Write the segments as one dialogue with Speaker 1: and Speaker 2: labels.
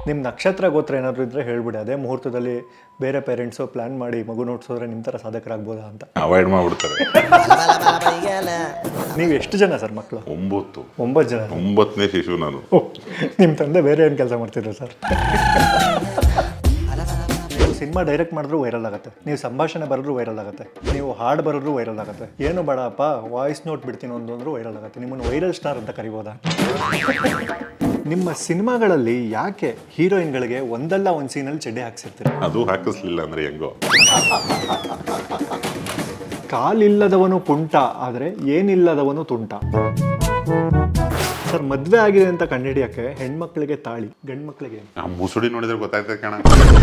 Speaker 1: ನಿಮ್ಮ ನಕ್ಷತ್ರ ಗೋತ್ರ ಏನಾದರೂ ಇದ್ದರೆ ಹೇಳ್ಬಿಡಿ, ಅದೇ ಮುಹೂರ್ತದಲ್ಲಿ ಬೇರೆ ಪೇರೆಂಟ್ಸು ಪ್ಲ್ಯಾನ್ ಮಾಡಿ ಮಗು ನೋಡ್ಸೋದ್ರೆ ನಿಮ್ಮ ಥರ ಸಾಧಕರಾಗ್ಬೋದಾ ಅಂತ
Speaker 2: ಅವಾಯ್ಡ್ ಮಾಡಿಬಿಡ್ತಾರೆ.
Speaker 1: ನೀವು ಎಷ್ಟು ಜನ ಸರ್ ಮಕ್ಕಳು?
Speaker 2: 9
Speaker 1: ಜನ.
Speaker 2: 9ನೇ ಶಿಶು ನಾನು.
Speaker 1: ನಿಮ್ಮ ತಂದೆ ಬೇರೆ ಏನು ಕೆಲಸ ಮಾಡ್ತಿದ್ರು ಸರ್? ಸಿನಿಮಾ ಡೈರೆಕ್ಟ್ ಮಾಡಿದ್ರು ವೈರಲ್ ಆಗುತ್ತೆ, ನೀವು ಸಂಭಾಷಣೆ ಬರೆದ್ರು ವೈರಲ್ ಆಗುತ್ತೆ, ನೀವು ಹಾಡು ಬರೆದ್ರು ವೈರಲ್ ಆಗುತ್ತೆ, ಏನು ಬೇಡಪ್ಪ ವಾಯ್ಸ್ ನೋಟ್ ಬಿಡ್ತೀನಿ ಅಂದ್ರೂ ವೈರಲ್ ಆಗುತ್ತೆ. ನಿಮ್ಮನ್ನು ವೈರಲ್ ಸ್ಟಾರ್ ಅಂತ ಕರಿಬೋದಾ? ನಿಮ್ಮ ಸಿನಿಮಾಗಳಲ್ಲಿ ಯಾಕೆ ಹೀರೋಯಿನ್ಗಳಿಗೆ ಒಂದಲ್ಲ ಒಂದು ಸೀನಲ್ಲಿ ಚಡ್ಡಿ ಹಾಕ್ಸಿರ್ತೀರ?
Speaker 2: ಅದು ಹಾಕಿಸ್ಲಿಲ್ಲ ಅಂದ್ರೆ ಹೆಂಗೋ.
Speaker 1: ಕಾಲಿಲ್ಲದವನು ಕುಂಟ, ಆದರೆ ಏನಿಲ್ಲದವನು ತುಂಟ. ಸರ್, ಮದುವೆ ಆಗಿದೆ ಅಂತ ಕಂಡುಹಿಡಿಯಕ್ಕೆ ಹೆಣ್ಮಕ್ಳಿಗೆ ತಾಳಿ, ಗಂಡು ಮಕ್ಳಿಗೆ
Speaker 2: ಮುಸುಡಿ ನೋಡಿದ್ರೆ ಗೊತ್ತಾಗ್ತದೆ ಕಣ.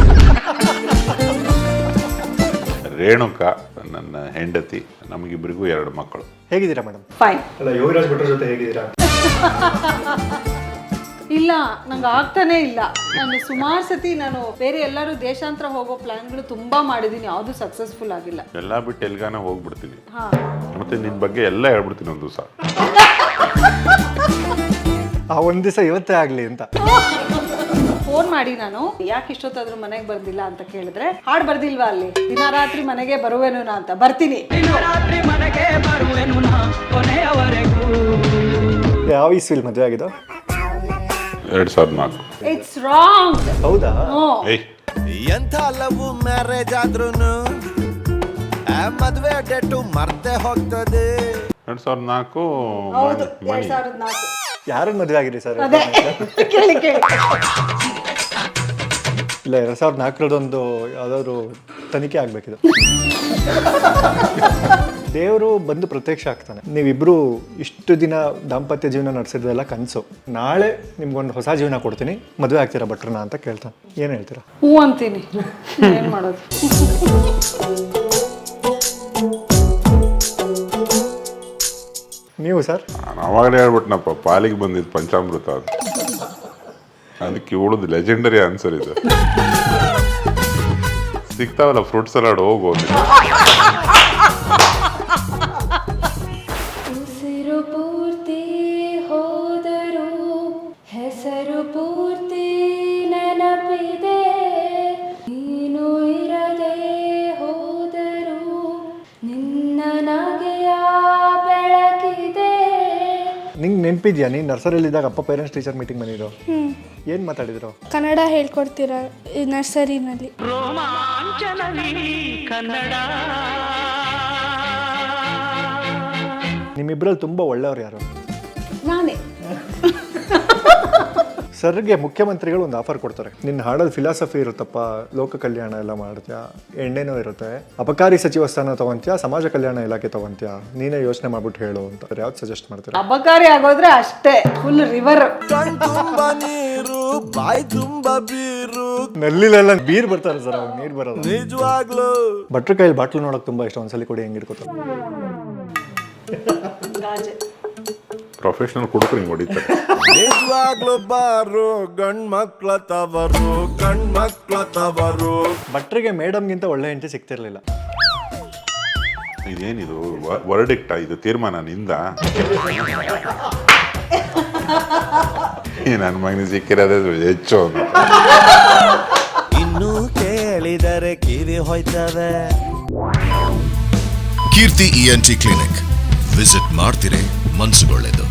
Speaker 2: ರೇಣುಕಾ ನನ್ನ ಹೆಂಡತಿ, ನಮಗಿಬ್ಬರಿಗೂ 2 ಮಕ್ಕಳು.
Speaker 1: ಹೇಗಿದ್ದೀರಾ ಮೇಡಮ್?
Speaker 3: ಫೈನ್.
Speaker 1: ಅಲ್ಲ, ಯೋಗರಾಜ್ ಭಟ್ರ ಜೊತೆ ಹೇಗಿದ್ದೀರಾ?
Speaker 3: ಇಲ್ಲ, ನಂಗೆ ಆಗ್ತಾನೆ ಇಲ್ಲ. ನಾನು ಸುಮಾರು ಸತಿ ಬೇರೆ ಎಲ್ಲರೂ ದೇಶಾಂತರ ಹೋಗೋ ಪ್ಲಾನ್ಗಳು ತುಂಬಾ ಮಾಡಿದೀನಿ, ಯಾವುದು ಸಕ್ಸಸ್ಫುಲ್ ಆಗಿಲ್ಲ.
Speaker 2: ಎಲ್ಲ ಬಿಟ್ಟು ಎಲ್ಗಾನ ಹೋಗ್ಬಿಡ್ತೀನಿ,
Speaker 3: ಹಾ,
Speaker 2: ಮತ್ತೆ ನಿನ್ ಬಗ್ಗೆ ಎಲ್ಲ ಹೇಳ್ಬಿಡ್ತೀನಿ ಒಂದು ದಿವಸ.
Speaker 1: ಆ ಒಂದು ದಿವಸ ಇವತ್ತೇ ಆಗಲಿ ಅಂತ
Speaker 3: ಫೋನ್ ಮಾಡಿ ನಾನು ಯಾಕೆ ಇಷ್ಟೊತ್ತಾದ್ರೂ ಮನೆಗೆ ಬರ್ದಿಲ್ಲ ಅಂತ ಕೇಳಿದ್ರೆ, ಹಾಡು ಬರ್ದಿಲ್ವಾ ಅಲ್ಲಿ, ದಿನ ರಾತ್ರಿ ಮನೆಗೆ ಬರುವೆನು ನಾ ಅಂತ. ಬರ್ತೀನಿ.
Speaker 1: ಯಾವ ಇಸ್ವಿಲ್ ಮದುವೆ ಆಗಿದ್ದು?
Speaker 2: 2004.
Speaker 3: It's wrong.
Speaker 1: ಹೌದಾ?
Speaker 4: ಎಂಥ ಲವ್ ಮ್ಯಾರೇಜ್ ಆದ್ರೂನು ಮದುವೆ ಡೇಟು ಮರ್ತೆ ಹೋಗ್ತದೆ.
Speaker 2: 2004.
Speaker 3: ಹೌದು,
Speaker 2: ಮಣಿ
Speaker 3: 2004.
Speaker 1: ಯಾರನ್ನ ಮದುವೆ ಆಗಿರಿ ಸರ್?
Speaker 3: ಅದೇ ಕೇಳಿ ಕೇಳಿ.
Speaker 1: ಇಲ್ಲ, 2004 ಯಾವ್ದಾದ್ರು ತನಿಖೆ ಆಗ್ಬೇಕಿದೆ. ದೇವರು ಬಂದು ಪ್ರತ್ಯಕ್ಷ ಆಗ್ತಾನೆ. ನೀವಿಬ್ರು ಇಷ್ಟು ದಿನ ದಾಂಪತ್ಯ ಜೀವನ ನಡೆಸಿದ್ರೆಲ್ಲ ಕನಸು, ನಾಳೆ ನಿಮ್ಗೊಂದು ಹೊಸ ಜೀವನ ಕೊಡ್ತೀನಿ, ಮದುವೆ ಆಗ್ತೀರಾ ಭಟ್ರನ ಅಂತ ಕೇಳ್ತಾನೆ, ಏನು ಹೇಳ್ತೀರಾ?
Speaker 3: ಹ್ಞೂ ಅಂತೀನಿ. ಏನು ಮಾಡೋದು?
Speaker 1: ನೀವು ಸರ್?
Speaker 2: ನಾನು ಅವಾಗಲೇ ಹೇಳ್ಬಿಟ್ನಪ್ಪ, ಪಾಲಿಗೆ ಬಂದಿದ್ದು ಪಂಚಾಮೃತ ಅದು. ಅದಕ್ಕೆ ಉಳಿದು ಲೆಜೆಂಡರಿ ಆನ್ಸರ್ ಇದೆ. ಸಿಗ್ತಾವಲ್ಲ ಫ್ರೂಟ್ ಸಲಾಡ್, ಹೋಗೋದು.
Speaker 5: ಉಸಿರು ಪೂರ್ತಿ ಹೋದರೂ ಹೆಸರು ಪೂರ್ತಿ ನೆನಪಿದೆ, ನೀನು ಇರದೆ ಹೋದರೂ ನಿನ್ನ ನಗೆಯ ಬೆಳಕಿದೆ.
Speaker 1: ನಿಂಗೆ ನೆನಪಿದ್ಯಾ, ನೀನು ನರ್ಸರಿಯಲ್ಲಿದ್ದಾಗ ಅಪ್ಪ ಪೇರೆಂಟ್ಸ್ ಟೀಚರ್ ಮೀಟಿಂಗ್ ಬಂದಿದ್ರು? ಏನು ಮಾತಾಡಿದ್ರು?
Speaker 5: ಕನ್ನಡ ಹೇಳ್ಕೊಡ್ತೀರ ನರ್ಸರಿನಲ್ಲಿ.
Speaker 1: ನಿಮ್ಮಿಬ್ಬರಲ್ಲಿ ತುಂಬ ಒಳ್ಳೆಯವ್ರು ಯಾರು?
Speaker 3: ನಾನೇ.
Speaker 1: ಸರ್ಗೆ ಮುಖ್ಯಮಂತ್ರಿಗಳು ಒಂದು ಆಫರ್ ಕೊಡ್ತಾರೆ, ನಿನ್ನ ಹಾಡಲ್ಲಿ ಫಿಲಾಸಫಿ ಇರುತ್ತಪ್ಪ, ಲೋಕ ಕಲ್ಯಾಣ ಎಲ್ಲ ಮಾಡ್ತೀಯಾ, ಎಣ್ಣೆನೂ ಇರುತ್ತೆ, ಅಬಕಾರಿ ಸಚಿವ ಸ್ಥಾನ ತಗೊಂತೀಯಾ, ಸಮಾಜ ಕಲ್ಯಾಣ ಇಲಾಖೆ ತಗೊಂತೀಯಾ, ನೀನೇ ಯೋಚನೆ ಮಾಡ್ಬಿಟ್ಟು ಹೇಳು ಅಂತ. ಯಾವ್ದು ಸಜೆಸ್ಟ್ ಮಾಡ್ತೀರಾ?
Speaker 3: ಅಬಕಾರಿ ಆಗೋದ್ರೆ ಅಷ್ಟೇ, ಫುಲ್ ರಿವರ್.
Speaker 4: ಕಣ್ ತುಂಬ ನೀರು, ಬಾಯಿ ತುಂಬ ಬೀರು.
Speaker 1: ನಲ್ಲಿಲೆಲ್ಲ ಬೀರ್ ಬರ್ತಾರೆ ಸರ್, ಅವಾಗ ನೀರು ಬರೋದು.
Speaker 4: ನಿಜವಾಗ್ಲು
Speaker 1: ಭಟ್ರ ಕೈಯಲ್ಲಿ ಬಾಟ್ಲು ನೋಡೋಕೆ ತುಂಬ ಇಷ್ಟ, ಒಂದ್ಸಲಿ ಕೊಡಿ, ಹೆಂಗಿರ್ಕೋತ.
Speaker 2: ಪ್ರೊಫೆಷನಲ್ ಕುಡುಕರು ಹಿಂಗೆ ಹೊಡಿತಾರೆ.
Speaker 4: ನಿಜವಾಗ್ಲು ಬಾರು ಗಂಡ್ ಮಕ್ಳ ತವರು, ಗಂಡ್ ಮಕ್ಳ ತವರು.
Speaker 1: ಭಟ್ರಿಗೆ ಮೇಡಮ್ಗಿಂತ ಒಳ್ಳೆ ಹೆಂಡತಿ ಸಿಗ್ತಿರ್ಲಿಲ್ಲ.
Speaker 2: ಇದೇನಿದು ವರ್ಡಿಕ್ಟಾ? ಇದು ತೀರ್ಮಾನ ನಿಂದ? ನನ್ನ ಮಗನಿಗೆ ಸಿಕ್ಕಿರೋದೇ ಹೆಚ್ಚು.
Speaker 4: ಇನ್ನು ಕೇಳಿದರೆ ಕಿವಿ ಹೋಯ್ತವೆ.
Speaker 6: ಕೀರ್ತಿ ENT ಕ್ಲಿನಿಕ್ ವಿಸಿಟ್ ಮಾಡ್ತಿರೇ, ಮನ್ಸುಗೊಳ್ಳೆದು.